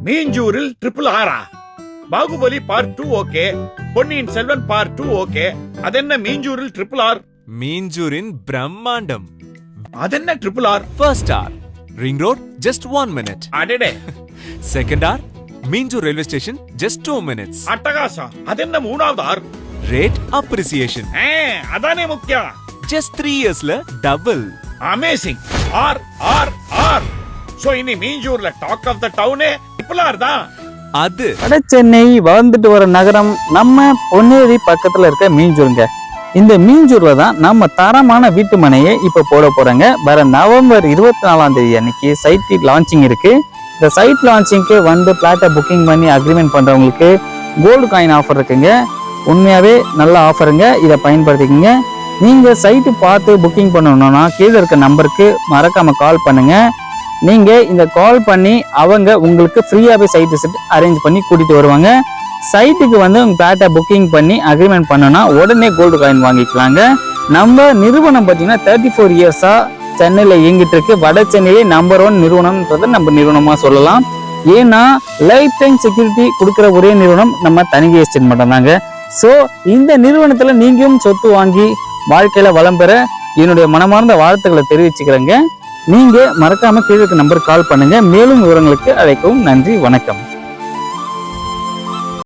மீஞ்சூரில் triple ஆரா? Baahubali part 2 okay, Ponniyin Selvan part 2 okay, அதென்ன மீஞ்சூரில் ட்ரிபிள் ஆர்? மீஞ்சூரின் பிரம்மாண்டம். அதென்ன triple R? First R ring road just 1 minute. அடடே. Second R Minjur railway station just 2 minutes. அட்டகாசம். அதென்ன மூணாவது ஆர்? Rate appreciation. அதானே முக்கியம். ஜஸ்ட் 3 yearsல double. Amazing. R R R. So இனி மீஞ்சூர்ல டாக் ஆஃப் த டவுனே ட்ரிபிள் ஆர் தான். அது வட சென்னை வளர்ந்துட்டு வர நகரம் நம்ம பொன்னேரி பக்கத்துல இருக்க மீஞ்சூருங்க. இந்த மீஞ்சூர்ல தான் நம்ம தரமான வீட்டு மனையை இப்ப போட போறாங்க. வர நவம்பர் 24ஆம் தேதி அன்னைக்கு சைட் லான்ச்சிங் இருக்கு. இந்த சைட் லான்ச்சிங்க்கு வந்து பிளாட்டை புக்கிங் பண்ணி அக்ரிமெண்ட் பண்றவங்களுக்கு கோல்டு காயின் ஆஃபர் இருக்குங்க. உண்மையாவே நல்ல ஆஃபருங்க, இதை பயன்படுத்திக்கங்க. நீங்க சைட்டு பார்த்து புக்கிங் பண்ணணும்னா கீழே இருக்க நம்பருக்கு மறக்காம கால் பண்ணுங்க. நீங்க இந்த கால் பண்ணி அவங்க உங்களுக்கு ஃப்ரீயாவே சைட் விசிட் அரேஞ்ச் பண்ணி கூட்டிட்டு வருவாங்க. சைட்டுக்கு வந்து உங்க பிளாட்டை புக்கிங் பண்ணி அக்ரிமெண்ட் பண்ணனா உடனே கோல்டு காயின் வாங்கிக்கலாங்க. நம்ம நிறுவனம் பார்த்தீங்கன்னா 34 இயர்ஸா சென்னையில் இயங்கிட்டு இருக்கு. வட சென்னையிலே நம்பர் 1 நிறுவனம்ன்றதை நம்ம நிறுவனமா சொல்லலாம். ஏன்னா லைஃப் டைம் செக்யூரிட்டி கொடுக்குற ஒரே நிறுவனம் நம்ம தனிகை எஸ்டேட் மட்டும் தாங்க. ஸோ இந்த நிறுவனத்துல நீங்களும் சொத்து வாங்கி வாழ்க்கையில வளம் பெற என்னுடைய மனமார்ந்த வாழ்த்துக்களை தெரிவிச்சுக்கிறேங்க. நீங்க மறக்காம கீழே நம்பர் கால் பண்ணுங்க. மேலும் விவரங்களுக்கு அழைக்கவும். நன்றி, வணக்கம்.